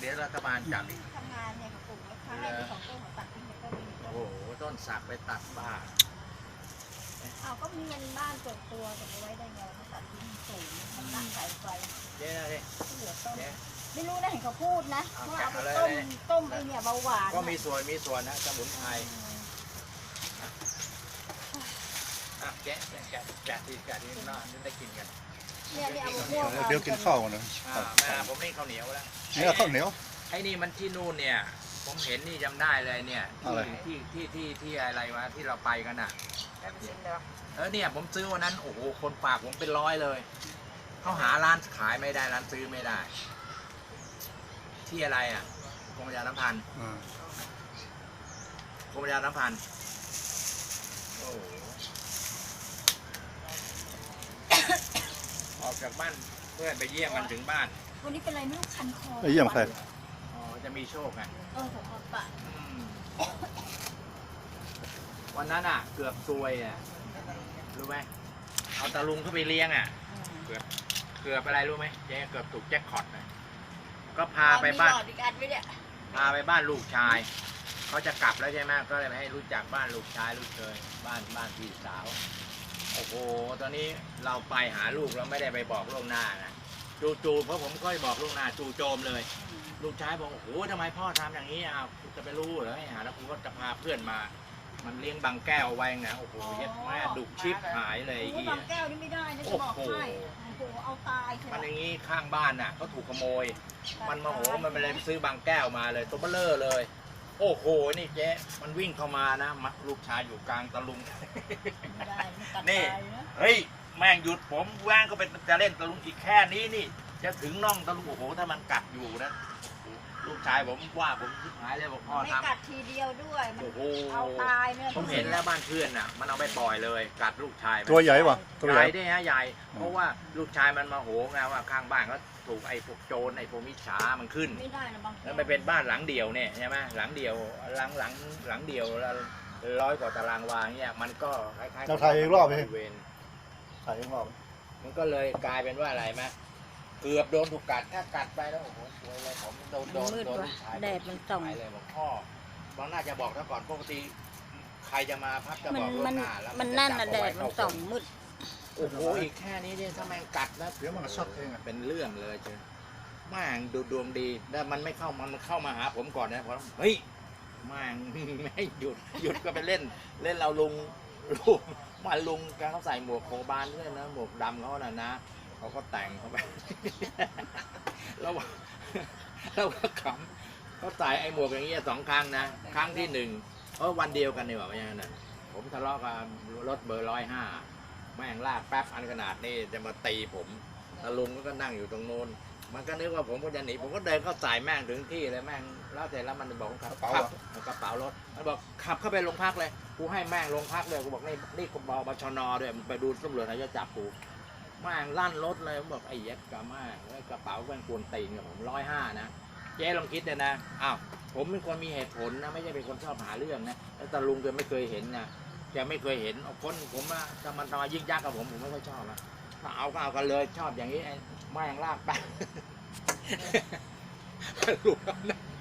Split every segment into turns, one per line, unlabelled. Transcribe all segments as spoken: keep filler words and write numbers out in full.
เดี๋ยวรัฐบาลจับอีก
ทำงานเนี่ยเขาปลูกแล้วข้างในสองต้นเขาตัดทิ้งไปต้นนึง
โอ้โหต้นสักไปตัดบ้า
อ้าวก็มีเงินบ้านส่วนตัวจะไปไว้ได้ไงเขาตัดทิ้งสูงมันตั้งสายไฟ
เจ๊นะดิ
เหลือต้น
เจ๊
ไม่รู้นะเห็นเขาพูดนะ
เอา
ว่าเอาไป
แกะ
ต้ม
เลย
ต้มไอเนี่ยเบาหวาน
ก็มีส่วนมีส่วนนะสมุนไพรอ่ะแกะแกะแกะแกะทีแกะทีน่าได้กินกัน
เนี่ยเนี่ยเอามะม่วง
เดี๋ยวกินข้าวกันนะ
อ่าแม่ผมนี่ข้าวเหนียวแล้ว
นี่ข้าวเหนียว
ไอ้นี่มันที่นู่นเนี่ย ผมเห็นนี่จำได้เลยเนี่ย
อะไร
ที่ที่ที่ที่อะไรวะที่เราไปกันอ่ะเออเนี่ยผมซื้อวันนั้นโอ้โหคนฝากผมเป็นร้อยเลยเขาหาร้านขายไม่ได้ร้านซื้อไม่ได้ ที่อะไรอ่ะกรมประชาสัมพันธ์
อ่าก
รมประชาสัมพันธ์โอ้โหออกจากบ้านเพื่อนไปเยี่ยมมันถึงบ้าน
วันนี้เป็นอะไรไม่รู้คันคอ
ไปเยี่ยมใคร
อ๋อจะมีโชคไง
เออผมเอาปะ
อืมวันนั้นอ่ะ เกือบซวยอ่ะรู้ไหมเอาตาลุงเข้าไปเลี้ยงอ่ะ เกือบเกือบอะไรรู้ไหมเจ๊เกือบถูกแจ็คพอตเลยก็พาไปบ้าน
มีหลอดอีกอันไว้เนี่ย
พาไปบ้านลูกชายเขาจะกลับแล้วใช่ไหมก็เลยไปให้รู้จักบ้านลูกชายลูกเคยบ้านบ้านพี่สาวโอ้โหตอนนี้เราไปหาลูกเราไม่ได้ไปบอกล่วงหน้านะจู่ๆเพราะผมก็บอกล่วงหน้าจู่โจมเลย ลูกชายบอกโอ้โหทำไมพ่อทำอย่างนี้อ่ะจะไปรู้เหรอให้หาแล้วกูก็จะพาเพื่อนมา มันเลี้ยงบางแก้วไว้ไงโอ้โหเย็ดแม่ดุชิบหายเลยไอ้
โอ้
เหี้
บาย งแก้วนี่ไม่ได้นะจะบอกให้โอ้โหเอาตายใช่ไหม
มันอย่างนี้ข้างบ้านน่ะเขาถูกขโมย มันโมโหมันไปเลยซื้อบางแก้วมาเลยตัวเบลเลอร์เลย โอ้โหนี่เจ๊มันวิ่งเข้ามานะมัลูกชายอยู่กลางตะลุง
ไม่ได้มันกัด
นี่
ตายนะ
เฮ้ยแม่งหยุดผมว่างก็เป็นจะเล่นตะลุงอีกแค่นี้นี่ จะถึงน่องตะลุงโอ้โหถ้ามันกัดอยู่นะลูกชายผมว่าผมชิบหายเลยบอกพ่อ
ไม่
ทำ
กัดทีเดียวด้วยมัน
โอ้โห
เอาตายเนี่ย
ผมเห็นแล้วบ้านเพื่อนน่ะ มันเอาไปปล่อยเลยกัดลูกชายมัน
ตัวใหญ่ป่ะตัว
ให
ใหญ่
ญ่ได้ฮะใหญ่ เพราะว่าลูกชายมันมาโหไงว่าข้างบ้านเขาถูกไอ้พวกโจรไอ้พวกมิจฉามันขึ้น
ไม่ได้นะบาง
แล้วมันเป็นบ้านหลังเดียวเนี่ยใช่ไหมหลังเดียวหลังหลังหลังเดียวแล้วร้อยกว่าตารางวาเนี่ยมันก็คล้ายๆ
เราถ่ายอีกรอบไหม
บริเวณ
ถ่ายอีกรอบ
มันก็เลยกลายเป็นว่าอะไรไหมเกือบโดนถูกกัดถ้ากัดไปแล้วโอ้โหสวยเลยผมโดนโดน
มืด
โดน
ว่ะ
ลูกชาย
แดดมันส่อง
หายเลยบอกพ่อบางน่าจะบอกซะก่อนปกติใครจะมาพักจะ
มั
บ
น
อกล่ว
มัน
งหน้าแล้ว
มัน
จะ
นั่น
จั
น่ะ
บ
แด
เอาไว้
ดมัน
เข้า
ส่องมืด
โอ้โหอีกแค่นี้เนี่ยถ้าแม่งกัดนะ
เดี๋ยวมันก็ช็อตเองอ่ะ
เป็นเรื่องเลยเจ้แม่งดูดวงดีแล้วมันไม่เข้ามันเข้ามาหาผมก่อนนะผมเฮ้ยแม่ง ไม่หยุดหยุดก็ไปเล่น เล่นเราลุงลุงมาลุงแกเขาใส่หมวกโคบานด้วยนะหมวกดำเขาน่ะนะเขาก็แต่งเข้าไป แล้วแล้วก็ขำเขาใส่ไอ้หมวกอย่างเงี้ยสองครั้งนะครั้งที่หนึ่งเพราะวันเดียวกันนี่หว่าไม่ใช่นะผมทะเลาะกับรถเบอร์ร้อยห้าแม่งลากแป๊บอันขนาดนี้จะมาตีผมตาลุงก็นั่งอยู่ตรงโน้นมันก็นึกว่าผมก็จะหนีผมก็เดินเข้าใส่แม่งถึงที่เลยแม่งแล้วเสร็จแล้วมันบอกขับขับกระเป๋ารถมันบอกขับเข้าไปโรงพักเลยกูให้แม่งโรงพักเลยกูบอกนี่นี่กูบอกบชนด้วยมึงไปดูตำรวจเขาจะจับกูแม่งลั่นรถเลยผมบอกไอ้เย็ดกะแม่งกระเป๋าแม่งกวนตีนกับผมร้อยห้านะเจ๊ลองคิดเลยนะอ้าวผมเป็นคนมีเหตุผลนะไม่ใช่เป็นคนชอบหาเรื่องนะแล้วตาลุงแกไม่เคยเห็นนะแกไม่เคยเห็นเอาคนผมอะถ้ามันทำมายิ่งยักษ์กับผมผมไม่ค่อยชอบนะถ้าเอาก็เอากันเลยชอบอย่างนี้ไอ้แม่งลากไป ลุงนั่ง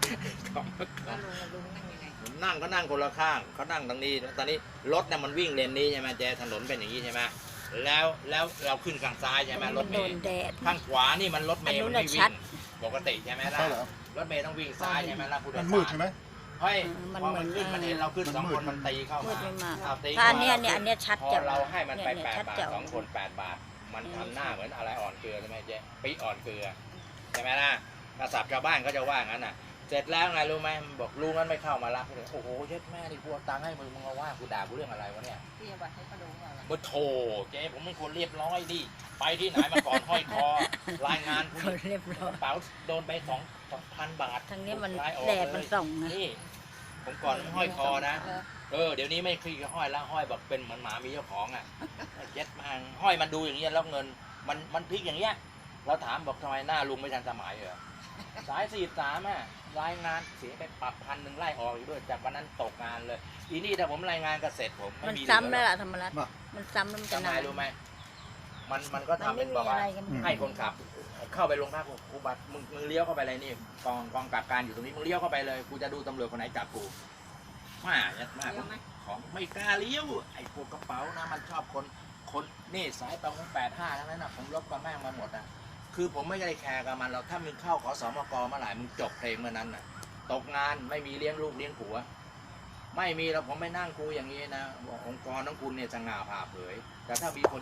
ผมนั่งก็นั่งคนละข้างเขานั่งตรงนี้ตอนนี้รถเนี่ยมันวิ่งเลนนี้ใช่ไหมเจ๊ถนนเป็นอย่างนี้ใช่ไหมแล้วแล้วเราขึ้นข้างซ้ายใช่ไหมรถเม
โด
ย์
นแดด
ข้างขวานี่มันรถเมย์
อันนู้
มัน
น
ไม่
น่ะ
วิ่
ชัด
งปกติใช่ไหมล่ะ
ใช่เหรอ
รถเมย์ต้องวิ่งซ้ายใช่ไหมล่ะผู้โดย
มัน
สาร
มืดใช่ไหม
เฮ้ย
มัน
พอ
เหมื
มั
อน น
ขึ้นมันเห็นเราขึ้นสองคนมันตีเข้า
มื
มา
ดไม่มาก
เอาตี
ถ้า
ข้
อันเนี้ยเนี่ยอันเนี้ยชัด
พอ
แจ๋ว
เราให้มันไป
เนี่ย
แปด
ชัด
บาท
แจ๋ว
สองคนแปดบาทมันทำหน้าเหมือนอะไรอ่อนเกลือใช่ไหมเจ๊ปีอ่อนเกลือใช่ไหมล่ะกระสับชาวบ้านก็จะว่างั้นน่ะเสร็จแล้วไงรู้ไหมบอกลุงนั้นไม่เข้ามารับเลยโอ้โหเช็ดแม่ดิกูเอาตังค์ให้มึงมึงมาว่ากูด่ากูเรื่องอะไรวะเนี่ย
ที่วัดให้เขาดูว่าอะไร
บ่โถเจ๊ผมเป็นคนเรียบร้อยดิไปที่ไหนมาก่อนห้อยคอรายงานผู้
เขาเรียบร้อย
กระเป๋าโดนไปสองสองพันบาท
ทางนี้มัน
ลายออก
แดดมันส่องนะ
นี่ผมก่อนห้อยคอนะเออเดี๋ยวนี้ไม่คุยกับห้อยแล้วห้อยแบบเป็นเหมือนหมามีเจ้าของอ่ะเย็ดมาห้อยมันดูอย่างเงี้ยแล้วเงินมันมันพลิกอย่างเงี้ยเราถามบอกทำไมหน้าลุงไม่ทันสมัยเหรอสายสี่สามอ่ะรายงานเสียไปปรับพันหนึ่งไล่ออกอยู่ด้วยจากวันนั้นตกงานเลยอีนี่ถ้าผมรายงานเกษตรผมไม่
มัน
มีเหลือ
ซ้ำแล้วล่ะธรรมรัตน์
มา
มันซ้ำแล้วมันจะ
ทำไม
นาน
รู้ไหมมันมันก็
มัน
ทำ
ไม่
เป็น
มี
บอก
อะ
ว่า
ไรกัน
อืม
ให้คนขับเข้าไปโรงพักกูบัตรมึงมึงเลี้ยวเข้าไปเลยนี่กองกองกับการอยู่ตรงนี้มึงเลี้ยวเข้าไปเลยกูจะดูตำรวจคนไหนจับกูมายัดมาก
เดี๋ยวไหม
ของไม่กล้าเลี้ยวไอ้พวกกระเป๋านะมันชอบคนคนนี่สายประมงแปดห้าทั้งนั้นนะผมลบกับแม่งมาหมดอ่ะคือผมไม่ได้แคร์กับมันหรอกถ้ามึงเข้าขอสมกเมื่อไหร่มึงจบเพลงเมื่อนั้นน่ะตกงานไม่มีเลี้ยงลูกเลี้ยงผัวไม่มีแล้วผมไม่นั่งคุยอย่างนี้นะบอกองค์กรของคุณเนี่ยจะงาผ่าเผยแต่ถ้ามีคน